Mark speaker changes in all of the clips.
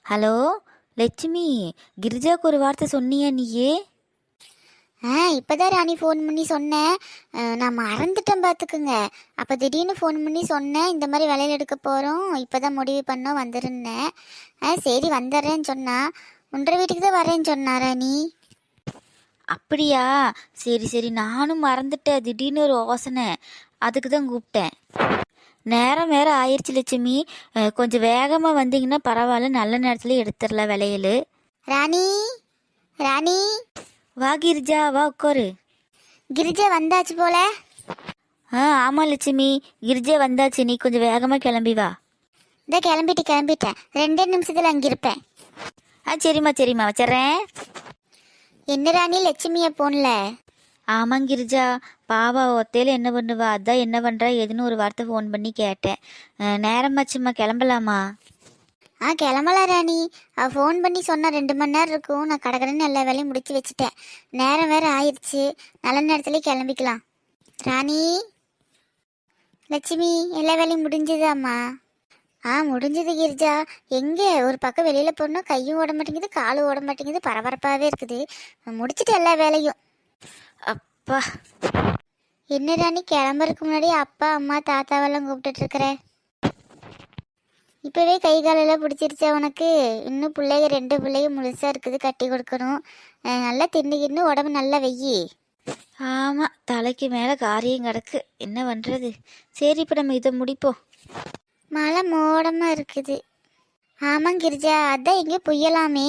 Speaker 1: Hello Lakshmi, கிரிஜாவுக்கு ஒரு வார்த்தை சொன்னியா நீயே?
Speaker 2: இப்போதான் ராணி ஃபோன் பண்ணி சொன்னேன். நான் மறந்துட்டேன் பார்த்துக்குங்க. அப்போ திடீர்னு ஃபோன் பண்ணி சொன்னேன், இந்த மாதிரி விலையில் எடுக்க போகிறோம், இப்போ தான் முடிவு பண்ணோம் வந்துருந்தேன். சரி வந்துடுறேன்னு சொன்னா. உன்ற வீட்டுக்கு தான் வரேன்னு சொன்னா ராணி.
Speaker 1: அப்படியா? சரி சரி, நானும் மறந்துட்டேன். திடீர்னு ஒரு யோசனை, அதுக்கு தான் கூப்பிட்டேன். நேரம் வேற ஆயிடுச்சு லட்சுமி. கொஞ்சம் வேகமாக வந்தீங்கன்னா பரவாயில்ல, நல்ல நேரத்துல எடுத்துடலாம் விலையில்.
Speaker 2: ராணி ராணி
Speaker 1: வா கிரிஜா, வா உட்காரு.
Speaker 2: கிரிஜா வந்தாச்சு போல.
Speaker 1: ஆமாம் லட்சுமி, கிரிஜா வந்தாச்சு. நீ கொஞ்சம் வேகமாக கிளம்பி வா.
Speaker 2: இந்த கிளம்பிட்டேன். 2 நிமிஷத்தில் அங்கே இருப்பேன்.
Speaker 1: சரிம்மா சரிம்மா, வச்சிட்றேன்.
Speaker 2: என்ன ராணி லட்சுமியை போன்ல?
Speaker 1: ஆமாம் கிரிஜா, பாவா ஒத்தையில் என்ன பண்ணுவா, அதான் என்ன பண்ணுறா எதுன்னு ஒரு வார்த்தை ஃபோன் பண்ணி கேட்டேன். நேரமாச்சும்மா, கிளம்பலாமா?
Speaker 2: கிளம்பலாம் ராணி. ஃபோன் பண்ணி சொன்னால் 2 மணி நேரம் இருக்கும். நான் கடகடன்னு எல்லா வேலையும் முடிச்சு வச்சுட்டேன். நேரம் வேறு ஆயிடுச்சு. நல்ல நேரத்துலேயே கிளம்பிக்கலாம். ராணி லட்சுமி, எல்லா வேலையும் முடிஞ்சுதாம்மா? முடிஞ்சது கிரிஜா. எங்கே ஒரு பக்கம் வெளியில் போனால் கையும் ஓட மாட்டேங்குது, காலும் ஓட மாட்டேங்குது, பரபரப்பாகவே இருக்குது. முடிச்சுட்டு எல்லா வேலையும்.
Speaker 1: அப்பா,
Speaker 2: என்ன ராணி கிளம்புறதுக்கு முன்னாடி அப்பா அம்மா தாத்தாவெல்லாம் கூப்பிட்டுட்ருக்குற? இப்போவே கை காலெல்லாம் பிடிச்சிருச்சா உனக்கு? இன்னும் பிள்ளைங்க 2 பிள்ளைங்க முழுசாக இருக்குது, கட்டி கொடுக்கணும். நல்லா தின்னுக்கின்னு உடம்பு நல்லா வெய்யி.
Speaker 1: ஆமாம், தலைக்கு மேலே காரியம் கிடக்கு, என்ன பண்ணுறது? சரி, இப்போ நம்ம இதை முடிப்போம்.
Speaker 2: மழை மோடமாக இருக்குது. ஆமாம் கிரிஜா, அதான் எங்கேயோ புயலாமே.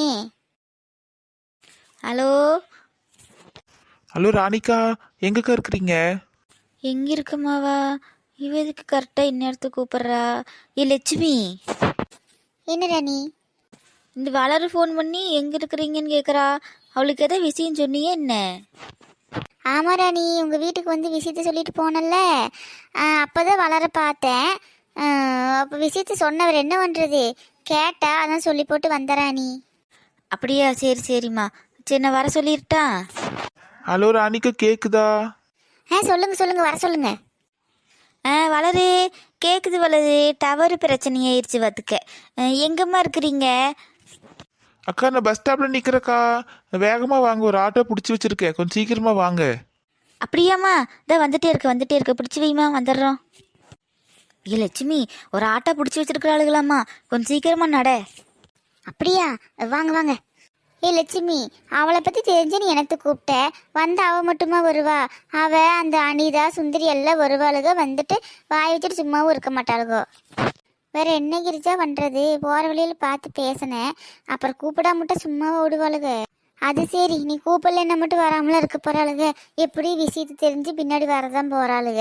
Speaker 1: ஹலோ
Speaker 3: ஹலோ ராணிகா, எங்கக்கா இருக்கிறீங்க?
Speaker 1: எங்கே இருக்குமாவா? இவ எதுக்கு கரெக்டாக இந்நேரத்துக்கு கூப்பிட்றா? லட்சுமி,
Speaker 2: என்ன ராணி?
Speaker 1: இந்த வளரு ஃபோன் பண்ணி எங்கே இருக்கிறீங்கன்னு கேட்குறா. அவளுக்கு எதாவது விஷயம் சொன்னியே என்ன?
Speaker 2: ஆமாம் ராணி, உங்கள் வீட்டுக்கு வந்து விஷயத்த சொல்லிட்டு போனல. அப்போ தான் வளர பார்த்தேன். அப்போ விஷயத்த சொன்னவர் என்ன பண்ணுறது, கேட்டா அதான் சொல்லி போட்டு வந்த ராணி.
Speaker 1: அப்படியா? சரி சரிம்மா, சரி நான் வர சொல்லிட்டா.
Speaker 3: ஹலோ ராணிகா, கேக்குதா?
Speaker 2: சொல்லுங்க வர சொல்லுங்க.
Speaker 1: வளரு, கேட்குது வளரு. டவர் பிரச்சனையாயிருச்சு பார்த்துக்க. எங்கம்மா இருக்கிறீங்க?
Speaker 3: அக்கா, நான் பஸ் ஸ்டாப்ல நிக்கிறேக்கா. வேகமா வாங்க, ஒரு ஆட்டோ பிடிச்சி வச்சிருக்கேன், கொஞ்சம் சீக்கிரமா வாங்க.
Speaker 1: அப்படியாம்மா? இதான் வந்துட்டே இருக்க, பிடிச்சி வைமா, வந்துடுறோம். லட்சுமி, ஒரு ஆட்டோ பிடிச்சி வச்சிருக்கிற ஆளுகளாம்மா, கொஞ்சம் சீக்கிரமா நட.
Speaker 2: அப்படியா? வாங்க. லட்சுமி, அவளை பற்றி தெரிஞ்சு நீ எனக்கு கூப்பிட்ட. வந்து அவள் மட்டுமா வருவா? அவள் அந்த அனிதா சுந்தரி எல்லாம் வருவாளுக. வந்துட்டு வாய் வச்சுட்டு சும்மாவும் இருக்க மாட்டாளுகோ. வேற என்ன கிரிஜா பண்ணுறது? போகிற வழியில் பார்த்து பேசினேன், அப்புறம் கூப்பிடாம மட்டும் சும்மாவை விடுவாளுக. அது சரி, நீ கூப்பிடலன்னா மட்டும் வராமலாம் இருக்க போகிறாளுக. எப்படி விஷயத்தை தெரிஞ்சு பின்னாடி வரதான் போகிறாளுக.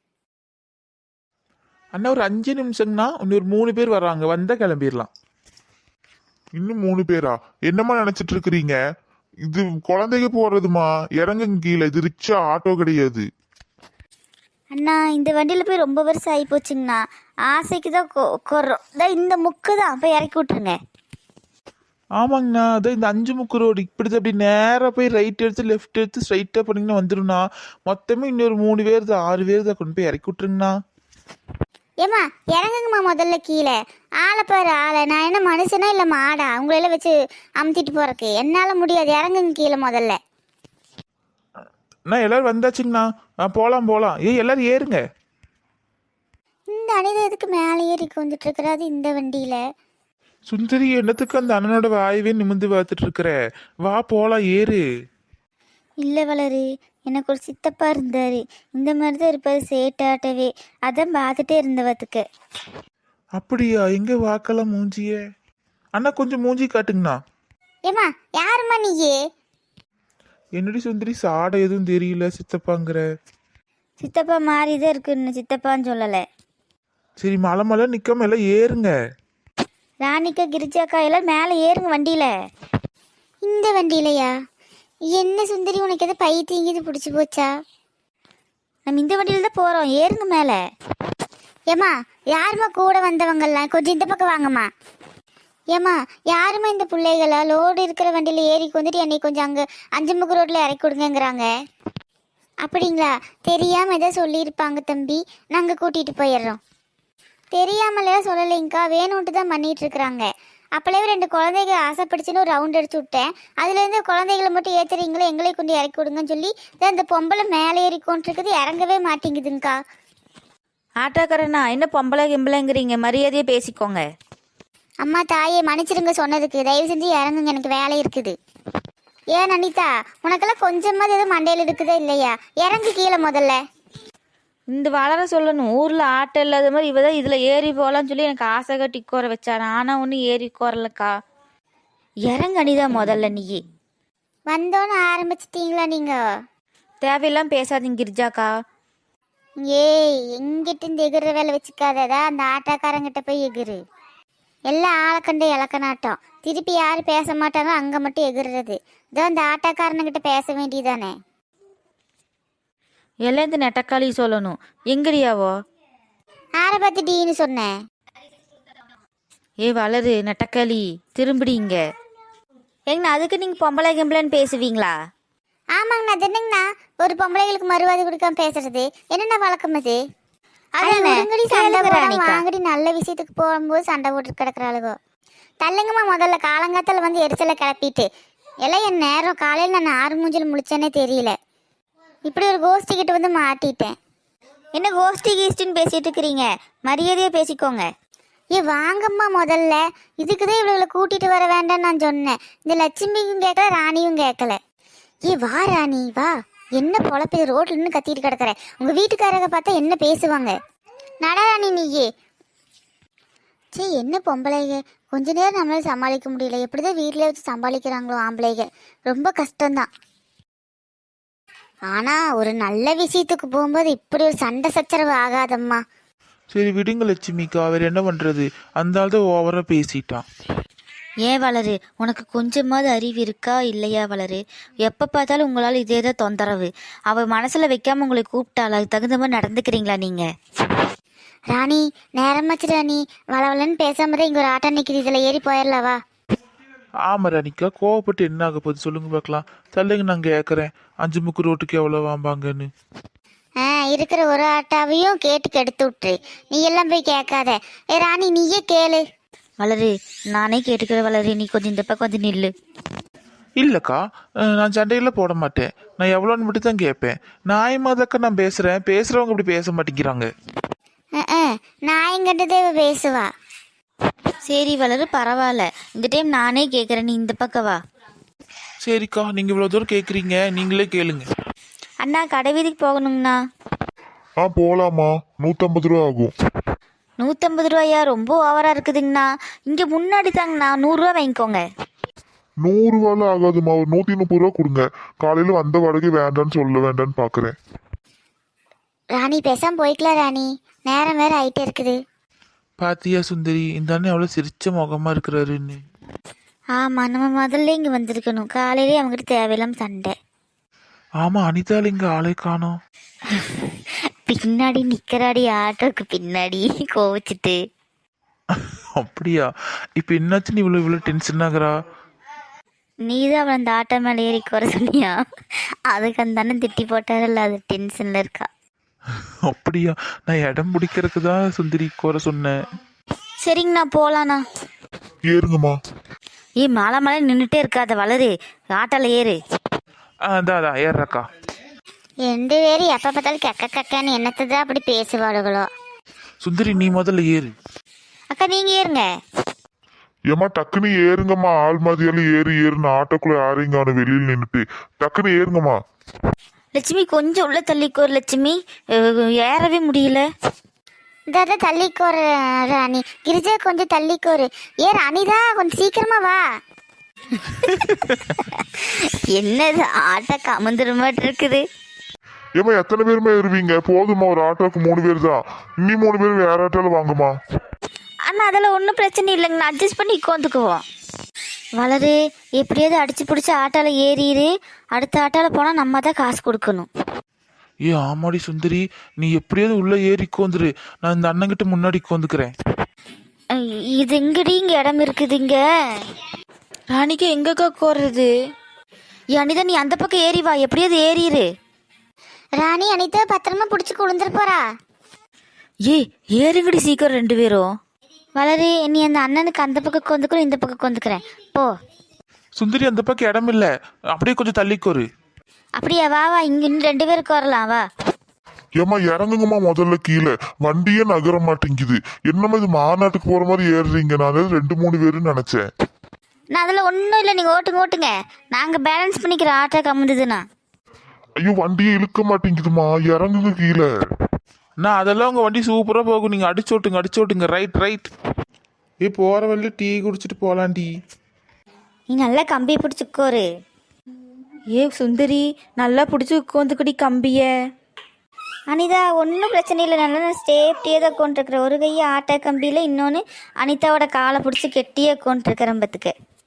Speaker 3: அண்ணா, ஒரு 5 நிமிஷம்னா இன்னொரு 3 பேர் வர்றாங்க, வந்தா கிளம்பிடலாம்.
Speaker 4: இன்னும் 3 பேரா? என்னம்மா நினைச்சிட்டு இருக்கிறீங்க? இது குழந்தைங்க போறதுமா, இறங்குங்க கீழே. இது ரிக்ஷா, ஆட்டோ கிடையாது.
Speaker 2: அண்ணா, இந்த வண்டியில் போய் ரொம்ப வருஷம் ஆகி போச்சுங்கண்ணா. ஆசைக்கு தான் கொறோம். இந்த முக்கு தான் போய் இறக்கி விட்ருங்க.
Speaker 3: ஆமாங்கண்ணா, அதான் இந்த 5 முக்கு ரோடு இப்படி அப்படி நேராக போய் ரைட் எடுத்து லெஃப்ட் எடுத்து ஸ்ட்ரைட்டாக போனீங்கன்னா வந்துடும்ண்ணா. மொத்தமே இன்னொரு 3 பேர் தான், 6 பேர் தான், கொண்டு போய் இறக்கி விட்ருங்கண்ணா.
Speaker 2: ஏம்மா இறங்குங்கம்மா முதல்ல கீழே. ஆளை பாரு ஆளை. நான் என்ன மனுஷனா இல்லை மாடா உங்களெல்லாம் வச்சு அமுத்திட்டு போறக்கு? என்னால் முடியாது. இறங்குங்க கீழே முதல்ல.
Speaker 3: அண்ணா, எல்லாரும் வந்தாச்சுங்கண்ணா. போகலாம். எல்லாரும் ஏறுங்க.
Speaker 2: இந்த அனிதா எதுக்கு மேலே ஏறி வந்துட்டு இருக்கிறாது இந்த வண்டியில்?
Speaker 3: சுந்தரி, என்னத்துக்கு அந்த அண்ணனோட வாயவே நிமிந்து பார்த்துட்டு இருக்கிற? வா போலாம், ஏறு.
Speaker 2: இல்லை வளரு, எனக்கு ஒரு சித்தப்பா இருந்தார். இந்த மாதிரி தான் இருப்பார், சேட்டாட்டவே. அதான் பார்த்துட்டே இருந்தவத்துக்கு.
Speaker 3: அப்படியா? எங்க வாக்கலாம் மூஞ்சிய? அண்ணா, கொஞ்சம் மூஞ்சி காட்டுங்கண்ணா.
Speaker 2: ஏம்மா யாரும்மா நீயே?
Speaker 3: என்னடி சுந்தரி, சாடை எதுவும் தெரியல, சித்தப்பாங்கிற.
Speaker 2: சித்தப்பா மாறி தான் இருக்குன்னு சித்தப்பான்னு சொல்லலை.
Speaker 3: சரி, மலை நிக்காம எல்லாம் ஏறுங்க.
Speaker 2: ராணிக்கா கிரிஜாக்கா எல்லாம் மேலே ஏறுங்க வண்டியில். இந்த வண்டியிலையா? என்ன சுந்தரி, உனக்கு எதை பைத்தியங்கிது பிடிச்சி போச்சா? நம்ம இந்த வண்டியில் தான் போகிறோம், ஏறுங்க மேலே. ஏம்மா யாரும்மா கூட வந்தவங்கெல்லாம்? கொஞ்சம் இந்த பக்கம் வாங்கம்மா. ஏம்மா யாரும்மா இந்த பிள்ளைகளா? லோடு இருக்கிற வண்டியில் ஏறி வந்துட்டு என்னை கொஞ்சம் அங்கே 5 முக்கு ரோட்டில் இறக்கி கொடுங்கங்கிறாங்க. அப்படிங்களா? தெரியாமல் எதாவது சொல்லியிருப்பாங்க தம்பி, நாங்கள் கூட்டிகிட்டு போயிடுறோம். தெரியாமலையா சொல்லலைங்கக்கா, வேணும்ட்டு தான் பண்ணிகிட்டு இருக்கிறாங்க. அப்பளவே 2 குழந்தைங்க ஆசைப்படுச்சுன்னு ஒரு ரவுண்ட் அடிச்சு விட்டேன். அதுலேருந்து குழந்தைகளை மட்டும் ஏற்றுறீங்களே, எங்களை கொண்டு இறக்கி விடுங்கன்னு சொல்லி இந்த பொம்பளை மேலே ஏறிக்கொண்டிருக்குது, இறங்கவே மாட்டேங்குதுங்கக்கா.
Speaker 1: ஆட்டோக்காரண்ணா என்ன பொம்பளை கிம்பளைங்கிறீங்க, மரியாதையே பேசிக்கோங்க.
Speaker 2: அம்மா தாயே மன்னிச்சிருங்க சொன்னதுக்கு, தயவு செஞ்சு இறங்குங்க, எனக்கு வேலை இருக்குது. ஏன் அனிதா, உனக்கெல்லாம் கொஞ்சமாவது எதுவும் மண்டையில் இருக்குதா இல்லையா? இறங்கு கீழே முதல்ல.
Speaker 1: இந்த வளர சொல்லணும், ஊரில் ஆட்டோ இல்லாத மாதிரி இவ தான் இதில் ஏறி போகலான்னு சொல்லி எனக்கு ஆசை கட்டி கோர வச்சாரு. ஆனால் ஒன்றும் ஏறி கோரலக்கா. இறங்க அனிதா முதல்ல நீயே.
Speaker 2: வந்தோன்னு ஆரம்பிச்சிட்டீங்களா நீங்க?
Speaker 1: தேவையெல்லாம் பேசாதீங்க கிரிஜாக்கா.
Speaker 2: ஏய், எங்கிட்ட இந்த எகிற வேலை வச்சுக்காததா, அந்த ஆட்டாக்காரங்கிட்ட போய் எகிரு. எல்லாம் ஆளக்கண்டு இலக்கநாட்டம். திருப்பி யாரும் பேச மாட்டாங்க, அங்கே மட்டும் எகிறுறது. இதோ அந்த ஆட்டாக்காரனுங்கிட்ட பேச வேண்டியதானே.
Speaker 1: எல்லாம் இந்த நெட்டக்காளி சொல்லணும். எங்கடியாவோ?
Speaker 2: ஆரை பார்த்துட்டீன்னு சொன்னேன்.
Speaker 1: ஏ வளரு நெட்டக்காளி, திரும்பிடிங்க. எங்கண்ணா அதுக்கு நீங்கள் பொம்பளை கிம்பளைன்னு பேசுவீங்களா?
Speaker 2: ஆமாங்கண்ணா, அது என்னங்கண்ணா ஒரு பொம்பளைகளுக்கு மறுவாதி கொடுக்காம பேசுறது என்னென்ன வழக்கம் அது? வாங்கடி நல்ல விஷயத்துக்கு போகும்போது சண்டை போட்டு கிடக்குறாளுகோ. தள்ளுங்கம்மா முதல்ல, காலங்காத்தால வந்து எரிச்சலை கிளப்பிட்டு. எல்லாம் என் நேரம் காலையில் நான் 6 மூஞ்சில் முழிச்சேன்னே தெரியல. இப்படி ஒரு கோஷ்டி கிட்ட வந்து மாட்டிட்டேன்.
Speaker 1: என்ன கோஷ்டி கீஷ்டின்னு பேசிட்டு இருக்கிறீங்க? மரியாதையாக பேசிக்கோங்க.
Speaker 2: ஏ வாங்கம்மா முதல்ல, இதுக்குதான் இவளுகளை கூட்டிட்டு வர வேண்டாம்னு நான் சொன்னேன். இந்த லட்சுமியும் கேட்கல, ராணியும் கேட்கல. ஏ வா ராணி வா, என்ன பொழப்பு ரோட்ல நின்று கத்திட்டு கிடக்குற? உங்க வீட்டுக்காரங்க பார்த்தா என்ன பேசுவாங்க? நடராணி நீயே. சே, என்ன பொம்பளைங்க, கொஞ்ச நேரம் நம்மளால சமாளிக்க முடியல. எப்படிதான் வீட்டிலே வச்சு சமாளிக்கிறாங்களோ ஆம்பளைங்க, ரொம்ப கஷ்டம்தான். ஆனா ஒரு நல்ல விஷயத்துக்கு போகும்போது இப்படி ஒரு சண்டை சச்சரவு ஆகாதம்மா.
Speaker 3: சரி விடுங்க லட்சுமிக்கா, அவர் என்ன பண்றது, அந்த ஆள் தான் ஓவரா பேசிட்டான்.
Speaker 1: ஏன் வளரு, உனக்கு கொஞ்சமாவது அறிவு இருக்கா இல்லையா வளரு? எப்போ பார்த்தாலும் உங்களால் இதே தான் தொந்தரவு. அவள் மனசில் வைக்காமல் உங்களை கூப்பிட்டாள், அதுக்கு தகுந்த மாதிரி நடந்துக்கிறீங்களா நீங்கள்?
Speaker 2: ராணி நேரமாச்சு ராணி, வளவலன்னு பேசாம தான் இங்கே ஒரு ஆட்டோ நிற்கிது, இதில் ஏறி போயிடலவா?
Speaker 3: ஆமா ராணிக்கா, கோவப்பட்டு என்ன ஆக போகுது சொல்லுங்க பார்க்கலாம். சொல்லுங்க, நான் கேட்குறேன் 5 முக்கு ரோட்டுக்கு எவ்வளோ வாம்பாங்கன்னு.
Speaker 2: இருக்கிற ஒரு ஆட்டாவையும் கேட்டு கெடுத்து விட்டுரு, நீ எல்லாம் போய் கேட்காத. ஏ ராணி நீயே கேளு.
Speaker 1: வளரு, நானே கேட்டுக்கிற வளரு, நீ கொஞ்சம் இந்த பக்கம் வந்து நில்லு.
Speaker 3: இல்லைக்கா, நான் சண்டையில் போட மாட்டேன். நான் எவ்வளோன்னு மட்டும் தான் கேட்பேன். நியாயமாதாக்கா நான் பேசுகிறேன், பேசுகிறவங்க இப்படி பேச மாட்டேங்கிறாங்க.
Speaker 2: நான் எங்கிட்டதே பேசுவா.
Speaker 1: சரி வளரு, பரவாயில்ல, இந்த டைம் நானே கேட்குறேன், நீ இந்த பக்கம் வா.
Speaker 3: சரிக்கா, நீங்கள் இவ்வளோ தூரம் கேட்குறீங்க, நீங்களே கேளுங்க.
Speaker 1: அண்ணா கடை வீதிக்கு போகணுங்கண்ணா.
Speaker 4: போலாமா, 150 ரூபா ஆகும்.
Speaker 1: 150 ரூபாயா? ரொம்ப ஓவரா இருக்குதுங்கண்ணா. இங்கே முன்னாடி தாங்கண்ணா, 100 ரூபா வாங்கிக்கோங்க.
Speaker 4: 100 ரூபாலாம் ஆகாதுமா, ஒரு 130 ரூபா கொடுங்க. காலையில வந்த வாடகை வேண்டான்னு சொல்ல வேண்டான்னு பாக்குறேன்.
Speaker 2: ராணி பேசாம போய்க்கலாம் ராணி, நேரம் வேற ஆயிட்டே இருக்குது.
Speaker 3: பாத்தியா சுந்தரி, இந்த அண்ணன் எவ்வளோ சிரிச்ச முகமா இருக்கிறாருன்னு.
Speaker 1: ஆமா, நம்ம முதல்ல இங்கே வந்திருக்கணும். காலையிலே அவங்ககிட்ட தேவையில்லாம சண்டை.
Speaker 3: ஆமா, அனிதால இங்க ஆளே காணோம்.
Speaker 1: பின்னாடி நிக்கிறாடி, ஆட்டோக்கு பின்னாடி கோவிச்சிட்டு.
Speaker 3: அப்படியா? இப்போ என்னாச்சுன்னு இவ்வளோ டென்ஷன் ஆகுறா?
Speaker 1: நீதான் அவளை அந்த ஆட்டோ மேலே ஏறி குறை சொன்னியா? அதுக்கு அந்த அண்ணன் திட்டி போட்டாரல்ல, அது டென்ஷன்ல இருக்கா.
Speaker 3: அப்படியா? நான் இடம் பிடிக்கிறதுக்கு தான் சுந்தரி குறை சொன்னேன்.
Speaker 1: சரிங்கண்ணா, போலாண்ணா.
Speaker 4: ஏறுங்கம்மா.
Speaker 1: மலை மலை நின்றுட்டே இருக்காத வளரு, ஆட்டோல ஏறு.
Speaker 3: அதான் ஏறாக்கா.
Speaker 2: 2 பேரும் எப்ப பார்த்தாலும் கெக்க கக்கன்னு என்னத்துதான் அப்படி பேசுவாளுகளோ.
Speaker 3: சுந்தரி நீ முதல்ல ஏறு.
Speaker 1: அக்கா நீங்க ஏறுங்க.
Speaker 4: ஏமா டக்குன்னு ஏறுங்கம்மா, ஆள் மாதிரியாலும் ஏறுன்னு ஆட்டோக்குள்ள யாரையும் வெளியில் நின்றுட்டு டக்குன்னு ஏறுங்கம்மா.
Speaker 1: லட்சுமி கொஞ்சம் உள்ள தள்ளிக்கோர் லட்சுமி, ஏறவே முடியல.
Speaker 2: இந்த தள்ளிக்கோரு ராணி, கிரிஜா கொஞ்சம் தள்ளிக்கோரு. ஏ ராணிதா கொஞ்சம் சீக்கிரமா வா.
Speaker 1: என்னது ஆட்டோ கமந்துரு மாதிரி இருக்குது.
Speaker 4: ஏமா எத்தனை பேருமே ஏறுவீங்க? போதுமா, ஒரு ஆட்டோக்கு 3 பேர் தான். இன்னி 3 பேர் வேற ஆட்டோல வாங்கம்மா.
Speaker 1: அண்ணா அதெல்லாம் ஒன்றும் பிரச்சனை இல்லைங்கண்ணா, அட்ஜஸ்ட் பண்ணி உட்காந்துக்குவோம். வளரு, எப்படியாவது அடிச்சு பிடிச்சி ஆட்டோல ஏறிடு. அடுத்த ஆட்டோல போனால் நம்ம தான் காசு கொடுக்கணும்.
Speaker 3: ஆமாடி சுந்தரி, நீ எப்படியாவது உள்ள ஏறி உட்காந்துரு. நான் இந்த அண்ணங்கிட்ட முன்னாடி உட்காந்துக்கிறேன்.
Speaker 1: இது எங்கடி இங்க இடம் இருக்குதுங்க? ராணிக்கு எங்கக்கா கோர்றது? அனிதா நீ அந்த பக்கம் ஏறி வா, எப்படியாவது ஏறிடு.
Speaker 2: ராணி அனிதா பத்திரமா பிடிச்சி குளிந்துரு போறா.
Speaker 1: ஏறுங்கடி சீக்கிரம் 2 பேரும்.
Speaker 2: வளரு, நீ அந்த அண்ணனுக்கு அந்த பக்கம் கொந்துக்கிறோம், இந்த பக்கம் கொந்துக்கிறேன் போ.
Speaker 3: சுந்தரி அந்த பக்கம் இடம் இல்லை, அப்படியே கொஞ்சம் தள்ளிக்கோரு.
Speaker 2: அப்படியா? வா வா, இங்க இன்னும் 2 பேருக்கு வரலாம் வா.
Speaker 4: ஏம்மா இறங்குங்கம்மா, முதல்ல கீழே வண்டியே நகர மாட்டேங்குது. என்னம்மா இது மாநாட்டுக்கு போற மாதிரி ஏறுறீங்க? நான் 2-3 பேருன்னு நினைச்சேன்.
Speaker 2: நான் அதில் ஒன்றும் இல்லை, நீங்கள் ஓட்டுங்க ஓட்டுங்க, நாங்கள் பேலன்ஸ் பண்ணிக்கிற ஆட்டோ கம்முதுண்ணா.
Speaker 4: ஐயோ வண்டியே இழுக்க மாட்டேங்குதுமா, இறங்குங்க கீழே.
Speaker 3: நான் அதெல்லாம் உங்கள் வண்டி சூப்பராக போகும், நீங்கள் அடிச்சோட்டுங்க. ரைட். போகிற வழியில் டீ குடிச்சிட்டு போகலாம் டீ.
Speaker 2: நீ நல்லா கம்பியை பிடிச்சிக்கோரு.
Speaker 1: சுந்தரி நல்லா பிடிச்சி உட்காந்துக்கடி கம்பிய.
Speaker 2: அனிதா ஒன்றும் பிரச்சனை இல்லை, நல்லா நான் சேஃப்டியாக தான் கொண்டிருக்கிறேன். ஒரு கையை ஆட்டோ கம்பியில், இன்னொன்று அனிதாவோட காலை பிடிச்சி கெட்டியாக கொண்டிருக்கிறேன் பத்துக்கு.